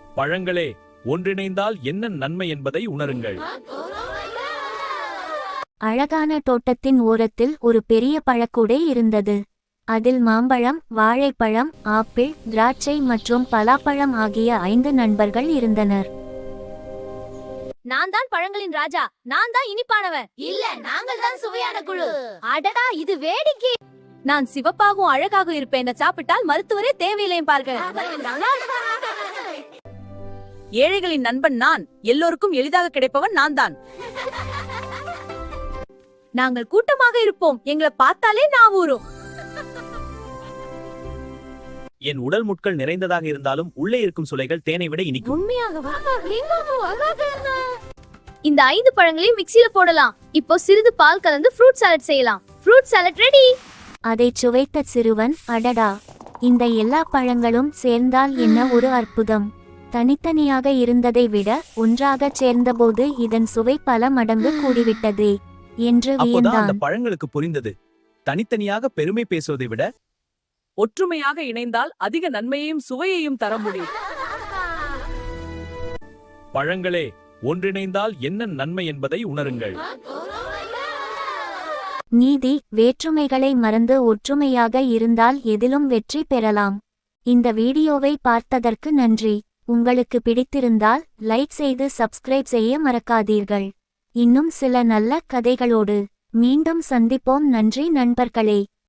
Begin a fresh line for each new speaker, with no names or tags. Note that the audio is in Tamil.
பழங்களே, ஒன்றிணைந்தால் என்ன நன்மை என்பதை உணருங்கள்.
அழகான தோட்டத்தின் ஓரத்தில் ஒரு பெரிய பழக்கூடை இருந்தது. அதில் மாம்பழம், வாழைப்பழம், ஆப்பிள், திராட்சை மற்றும் பலாப்பழம் ஆகிய 5 நண்பர்கள் இருந்தனர்.
நான் தான் பழங்களின் ராஜா. நான் தான் இனிப்பானவன். இல்ல, நாங்கள் தான் சுவையான குழு. அடடா, இது வேடிக்கை. நான் சிவப்பாகவும் அழகாக இருப்பேன். சாப்பிட்டால் மருத்துவரே தேவையில்லை பாருங்கள்.
ஏழைகளின் நண்பன் நான். எல்லோருக்கும் எளிதாக கிடைப்பவன் நான் தான்.
நாங்கள் கூட்டமாக இருப்போம். எங்களை பார்த்தாலே நான் ஊறும்.
என் உடல் முட்கள் நிறைந்ததாக இருந்தாலும் உள்ளே இருக்கும் சுளைகள் தேனை விட இனிக்கும்.
உண்மையாகவா? இந்த 5 பழங்களையும் மிக்ஸில போடலாம். இப்போ சிறிது பால் கலந்து ஃப்ரூட் சாலட் செய்யலாம். Fruit salad ready.
அதைச் சுவைத்த சிறுவன், அடடா, இந்த எல்லா பழங்களும் சேர்ந்தால் என்ன ஒரு அற்புதம்! தனித்தனியாக இருந்ததை விட ஒன்றாகச் சேர்ந்தபோது இதன் சுவை பல மடங்கு கூடிவிட்டதே என்று
அப்போதான் அந்த
வியந்தான்.
பழங்களுக்கு புரிந்தது, தனித்தனியாக பெருமை பேசுவதை விட
ஒற்றுமையாக இணைந்தால் அதிக நன்மையையும் சுவையையும் தர முடியும்.
பழங்களே, ஒன்றிணைந்தால் என்ன நன்மை என்பதை உணருங்கள்.
நீதி, வேற்றுமைகளை மறந்து ஒற்றுமையாக இருந்தால் எதிலும் வெற்றி பெறலாம். இந்த வீடியோவை பார்த்ததற்கு நன்றி. உங்களுக்கு பிடித்திருந்தால் லைக் செய்து சப்ஸ்கிரைப் செய்ய மறக்காதீர்கள். இன்னும் சில நல்ல கதைகளோடு மீண்டும் சந்திப்போம். நன்றி நண்பர்களே.